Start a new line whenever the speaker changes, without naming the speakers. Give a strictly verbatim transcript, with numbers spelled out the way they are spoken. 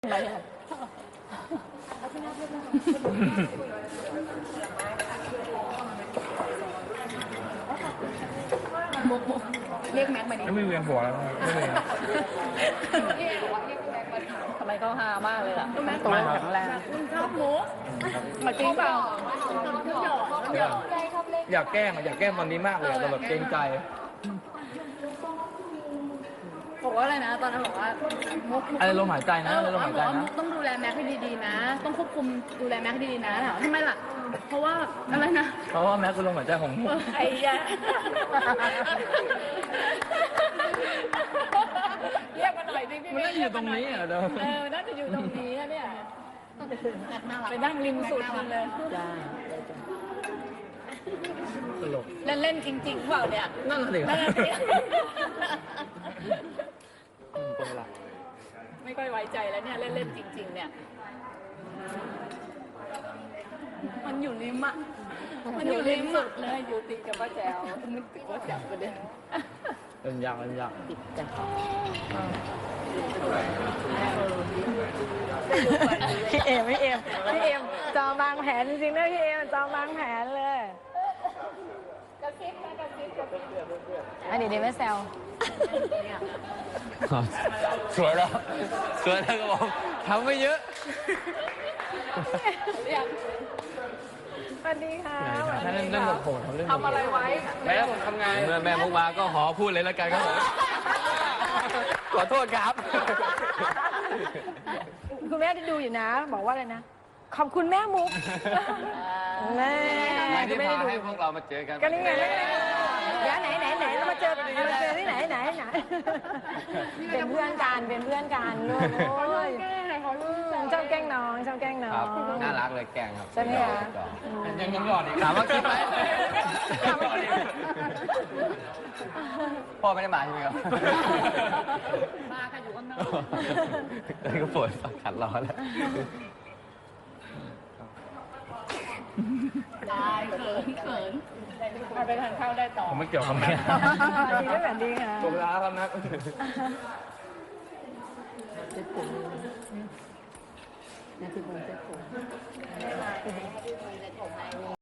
อะไรอ่ะมุกมุกเรียกแม็กมาดิ
ไม่เวียนหัวแล้วไม่เลย
พี่เอบอกว่าเรียกแม็กมาทำไมเขาฮามากเลยล่ะแม็กตัวแข็งแรงชอบมุกมาจริงเปล่า
อยากแกล้งอยากแกล้งตอนนี้มากเลยแต่แบบเกรงใจ
บอกว่าอะไรนะตอนนั้นบอกว่ามุก
อะไรลมหายใจนะอะไรลมหายใจ
บอกว่ามุ
นะ
กต้องดูแลแม็กให้ดีๆนะ ต้องควบคุมดูแลแม็กให้ดีๆนะถามว่าทำไมล่ะ เพราะว่าอะไรนะ
เพราะว่าแม็กคือลมหายใจของมุก
ไอ้ยาเรียกมาหน่อยดิพี่
มันน่าจะอยู่ตรงนี้อ่ะเดิม
เออน่าจะอยู่ตรงนี้นะเนี่ยไปนั่งริมสุดมันเลย
ตลก
เล่นเล่นๆจริงๆเปล่าเนี่ย
นั่นแหละสิ
นั่นน่ะสิ
เป็นเวลา
ไม่ค่อยไว้ใจแล้วเนี่ยเล่นเล่นๆจริง ๆ เนี่ย มันอยู่ริมอ่ะมันอยู่ริมสุดเลยอยู่ติดกับป้าแจ๋วนึกถึงป้าแจ๋วประเด็น
เป็นยากเป็นยาก
ติดกัน
พี่เอมพี่เอมพี่เอมจองบางแผนจริงๆนะพี่เอมจองบางแผนเลย
กระซิบนะกระซิบกระซิบ
อันนี้เดี๋ยวไม่แซว
สวยแล้วสวยแล้วครับผมทำไม่เยอะ
เรียก
สวัสดีค่ะ
ถ้าเล่นเล่นแบบโหดเขาเล่น
ทำอะไรไว้
แม่ผมทำไงเมื่อแม่มุกมาก็ขอพูดเลยแล้วกันครับผมขอโทษครับ
คุณแม่ที่ดูอยู่นะ บอกว่าอะไรนะ ขอบคุณแม่มุกแม่
ที่
ไม่ได้
พา
ดู
ให้พวกเรามาเจอกัน
ก็นี่ไงเดี๋ยวไหนไหนไหนเรามาเจอเรามาเจอที่ไหนไหนไหนเป็นเพื่อนกันเป็นเพื่อนกันลูกโอ้ยชอบแกล้งน้องชอบแกล้งน้อ
ครับ
ง
น่ารักเลยแกงครับ
ใช่ไหมคะ
ยังยังหยอดอีกถามว่าคิดไหมพ่อไม่ได้มาใช่ไหมครับ
มาค่ะอยู่ข้างนอก
ตอนนี้ก็ปวดขัดร้อนแล้ว
ได้เขินเขินเอาไปทานข้าวได้ต่อ
ผมไม่เกี่ยวกับแม่
ดีด้วยแบบดีค่ะ
ผมลาครับนะ
เจ็บผมนะที่ผมเจ็บผม